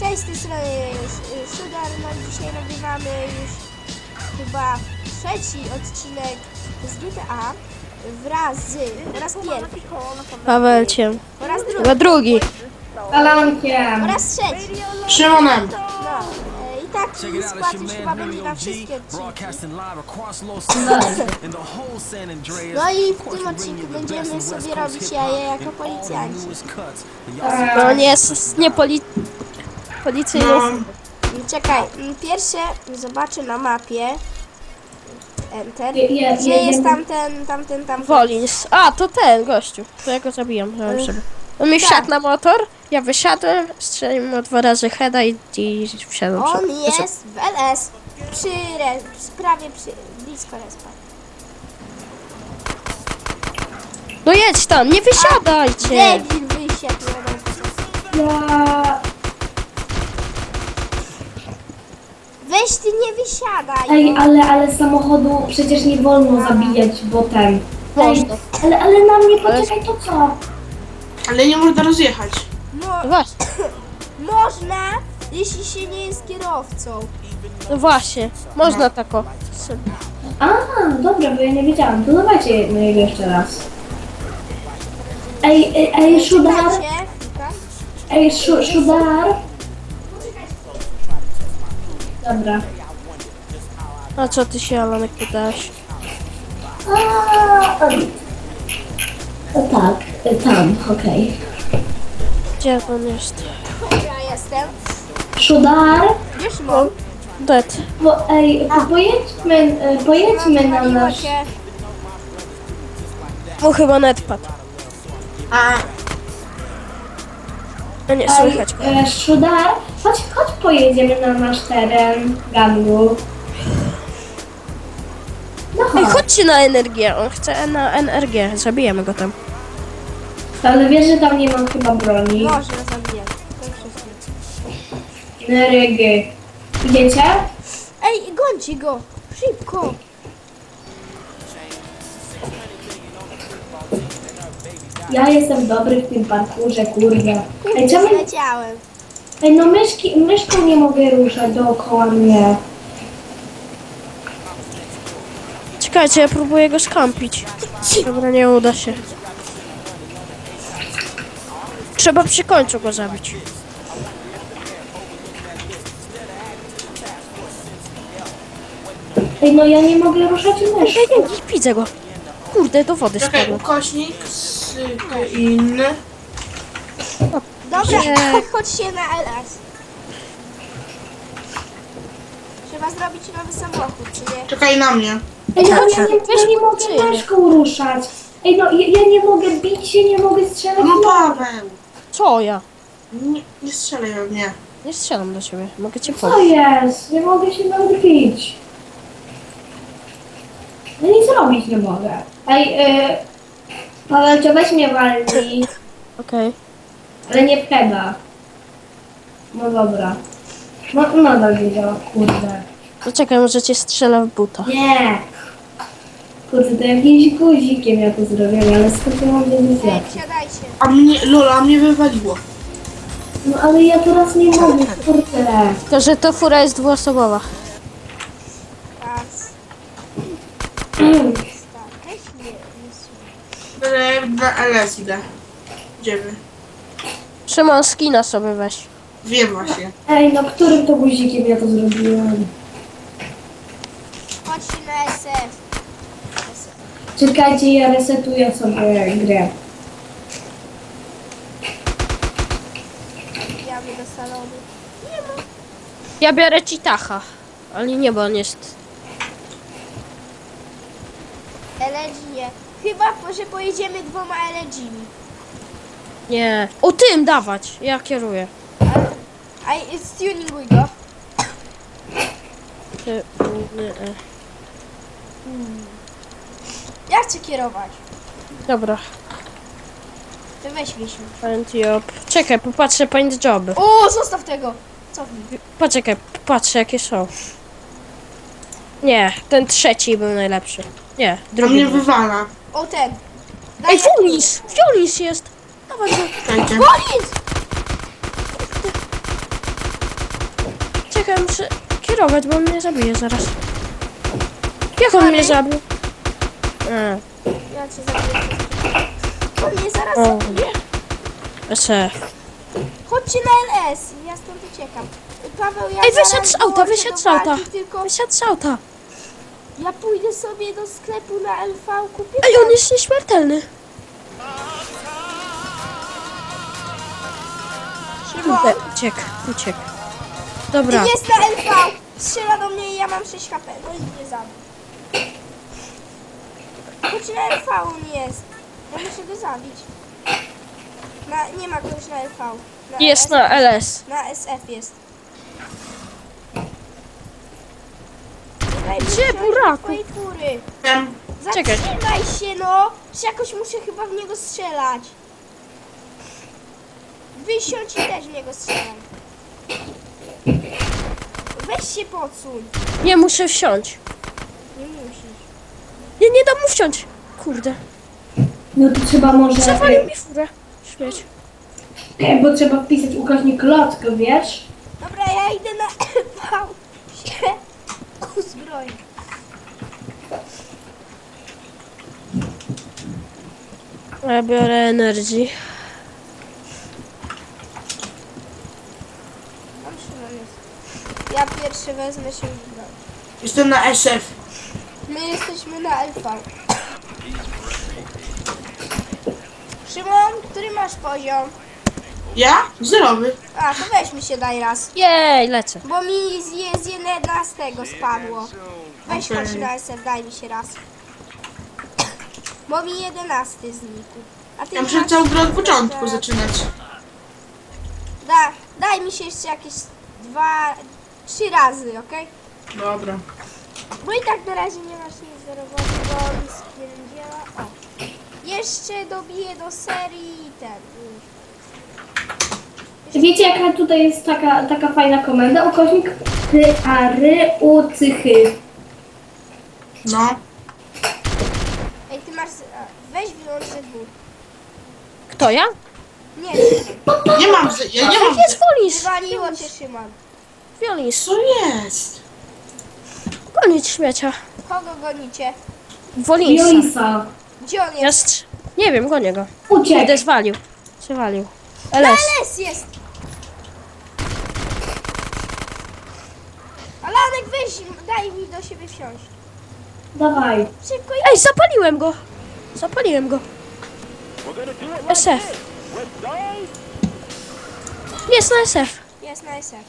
Cześć, z tej strony Sugar, no dzisiaj nagrywamy już chyba trzeci odcinek z GTA wraz z, po raz pierwszy, Pawelciem. po raz drugi, Chyba drugi. Alankiem. po raz trzeci. Szymonem. No, i taki skład już chyba będzie na wszystkie odcinki. No i w tym odcinku będziemy sobie robić jaje jako policjanci. No nie policyjną. Czekaj, pierwsze zobaczę na mapie. Enter. Je- Gdzie jest tamten? Wolins. A, to ten gościu. To ja go zabijam. On mi wsiadł na motor, ja wysiadłem, strzeliłem mu 2 razy heada i wsiadłem. On jest w LS. Prawie blisko respa. No jedź tam, nie wysiadajcie! Debil wysiadł. Ja... Weź ty nie wysiadaj. Ej, ale samochodu przecież nie wolno zabijać, bo ten... Można. Ale na mnie poczekaj, to co? Ale nie można rozjechać. No właśnie, Można, jeśli się nie jest kierowcą. no właśnie. Można tako. A, dobra, bo ja nie wiedziałam. To dawajcie na niego jeszcze raz. Ej, Szudar. Czekajcie, tak? Ej, Szudar. Dobra. A co ty się, Alanek, pytasz? Tak, tam, okej. Gdzie on jest? Ja jestem. Szudar. Gdzie Szymon? Dead. Bo, ej, pojedźmy na Paliło nasz... się. Mu chyba net padł. A A nie, słychać go. Szudar, chodź pojedziemy na nasz teren gangu. No Ej, chodź. chodźcie na energię, on chce na energię, zabijemy go tam. Ale wiesz, że tam nie mam chyba broni. Można zabijać. To wszystko. Nerygy. Idziecie? Ej, gońcie go! Szybko! Ja jestem dobry w tym parkurze, kurde. Ej, czemu... Leciałem. Ej, no myszką nie mogę ruszać dookoła mnie. Czekajcie, ja próbuję go skampić. Dobra, nie uda się. Trzeba przy końcu go zabić. Ej, no ja nie mogę ruszać myszką. Ej, widzę go. Kurde, do wody czekaj, spadłem. ukośnik inny. Dobra, Nie. chodźcie na LS. Trzeba zrobić nowy samochód, czy nie? Czekaj na mnie. Ej, no ja nie mogę policyjny. myszką ruszać. Ej, no ja nie mogę bić się, nie mogę strzelać. No Paweł. Co ja? Nie strzelaj we mnie. Nie strzelam do ciebie, mogę cię Co pomóc. jest? Nie mogę się nawet bić. No nic robić nie mogę. Ej, Paweł, to weź mnie walnij, Okej. ale nie w heada. No dobra. No, nadal wiedziała, kurde. No czekaj, może cię strzelę w buta. Nie! Kurde, to jakimś guzikiem ja to zrobiłem, ale skąd ja mam wiedzieć Ej, jak? wsiadajcie. A mnie, Lola, mnie wywaliło. No ale ja teraz nie mogę, kurde. Tylko, że to fura jest dwuosobowa. Raz. Weź nie Na LS idę. Idziemy. Szymon, skina sobie weź. Wiem właśnie. Ej, no którym to guzikiem ja to zrobiłem? Chodźcie na SF. Czekajcie, ja resetuję sobie grę. Wbijamy do salonu. Ja biorę Citacha. Ale nie, bo on jest... LG nie. Chyba, że pojedziemy 2 LG-mi. Nie. O tym dawać! Ja kieruję. A stuninguj go. Ty, Ja chcę kierować. Dobra. To weź Wiesiu. Paint job. Czekaj, popatrzę paint joby. O, zostaw tego. Cofnij. Poczekaj, patrzę jakie są. Nie, ten trzeci był najlepszy. Nie, A drugi. mnie był. wywala. O, ten. Ej, Fiolis! Fiolis jest! Dawaj go. Czekajcie. Wolnic! Czekaj, muszę kierować, bo on mnie zabije zaraz. Jak on mnie zabił? Ja cię zabiję. On mnie zaraz O. zabije. SF. Chodźcie na LS, ja stąd uciekam. Paweł, ja Ej, zaraz wysiadł z auta, dołączę wysiadł do z auta. walki, Tylko Wysiadł z auta. ja pójdę sobie do sklepu na LV, kupię Ej, tam. on jest nieśmiertelny. Szymon, Kurde, uciekł. Dobra. jest na LV. Strzela do mnie i ja mam 6 HP. No i mnie zabił. Chodź na LV on jest. Ja muszę go zabić. Nie ma kogoś na LV. Jest na LS. Na SF jest. Daj mi Gdzie, wsiąść do buraku? twojej fury. Wiem. Czekaj. Zatrzymaj się no! Czy jakoś muszę chyba w niego strzelać. Wysiądź i też w niego strzelam. Weź się podsuń. Nie muszę wsiąść. Nie musisz. Nie dam mu wsiąść. Kurde. No to trzeba może... Zawalił mi furę. Śmieć. Bo trzeba wpisać ukośnik klocka, wiesz? Dobra, ja idę na LV się uzbroić. Ja biorę energii. Mam Szymon jest. Ja pierwszy wezmę się uzbroić. Jestem na SF. My jesteśmy na LV. Szymon, który masz poziom? Ja? Zerowy. A, to weź mi się daj raz. Jej, lecę. Bo mi z 11 spadło. Weź Okej. chodź na SF, daj mi się raz. Bo mi 11 znikł. A ty Ja muszę masz- całą grę od początku zaczynać. Daj mi się jeszcze jakieś 3 razy, okej? Dobra. Bo i tak na razie nie masz nic do roboty, bo mi spierdziela. O. Jeszcze dobiję do serii i ten. Wiecie jaka tutaj jest taka fajna komenda? Ukośnik ucychy. No. Ej, ty masz... Weź wyłącz ZW. Kto ja? Nie, Nie mam ja nie mam Jest Wolis. wywaliło cię Szymon. Wolis. Co jest? Gonić śmiecia. Kogo gonicie? Wolisa. Jolisa. Gdzie on jest? Jest. Nie wiem, gonię go. Uciekł. Idę zwalił. Zwalił. Na LS. LS jest! Alanek, weź, daj mi do siebie wsiąść. Dawaj. Szybko, Ej, zapaliłem go. Zapaliłem go. SF. Jest na SF. jest na SF.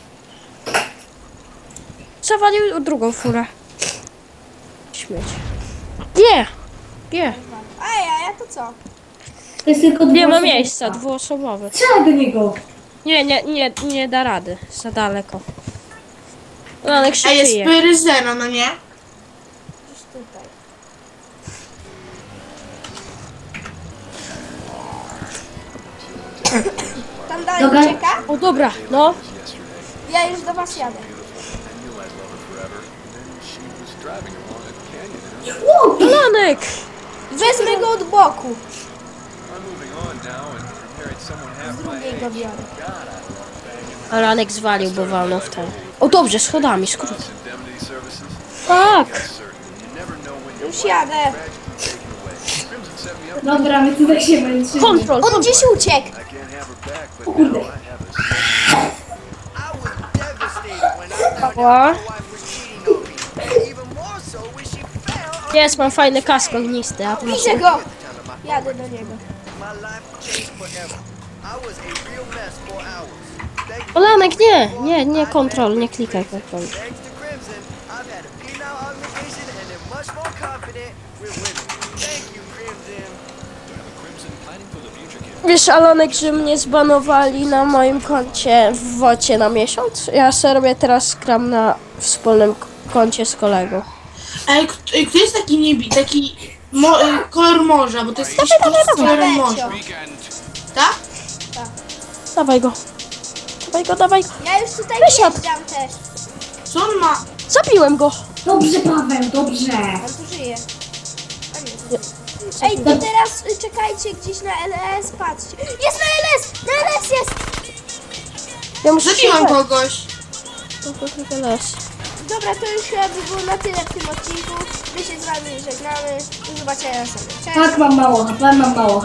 Zawalił drugą furę. Śmieć. Nie. Nie. Ej, a ja to co? To jest tylko Nie ma dwuosobowa. miejsca, dwuosobowy. Strzelaj do niego. Nie da rady. Za daleko. Lanek się A jest kryje. Pyryzena, no nie? Gdzieś tutaj. Tam dalej Dobra. ucieka? O dobra, no. Ja już do was jadę. Lanek! Wezmę go od boku. Z drugiej go biorę. A Lanek zwalił, bo walnął w ten. O dobrze, schodami, skrót. Tak! Już jadę. Dobra, my tutaj się męczymy. Kontrol, On gdzieś uciekł. O kurde. Ała. Jest, mam fajny kask ognisty, a tu masz... Widzę go. Jadę do niego. O Lanek, nie, kontrol, nie klikaj kontrol. Wiesz, Alanek, że mnie zbanowali na moim koncie w wocie na miesiąc? Ja sobie robię teraz skram na wspólnym koncie z kolegą. Ej, kto jest taki kolor morza, bo to jest jakiś z kolorem morza. Tak? Dawaj go. Dawaj go. Ja już tutaj Wysiadł. wjeżdżam też. Co on ma? Zabiłem go. Dobrze, Paweł, dobrze. On tu żyje. A nie, tu żyje. Ej, to teraz czekajcie gdzieś na LS, patrzcie. Jest na LS! Na LS jest! Ja muszę Zabiłem się... kogoś. trochę las. Dobra, to już chyba by było na tyle w tym odcinku. My się z wami żegnamy. Do zobaczenia sobie. Cześć! Tak, mam mało HP, mam mało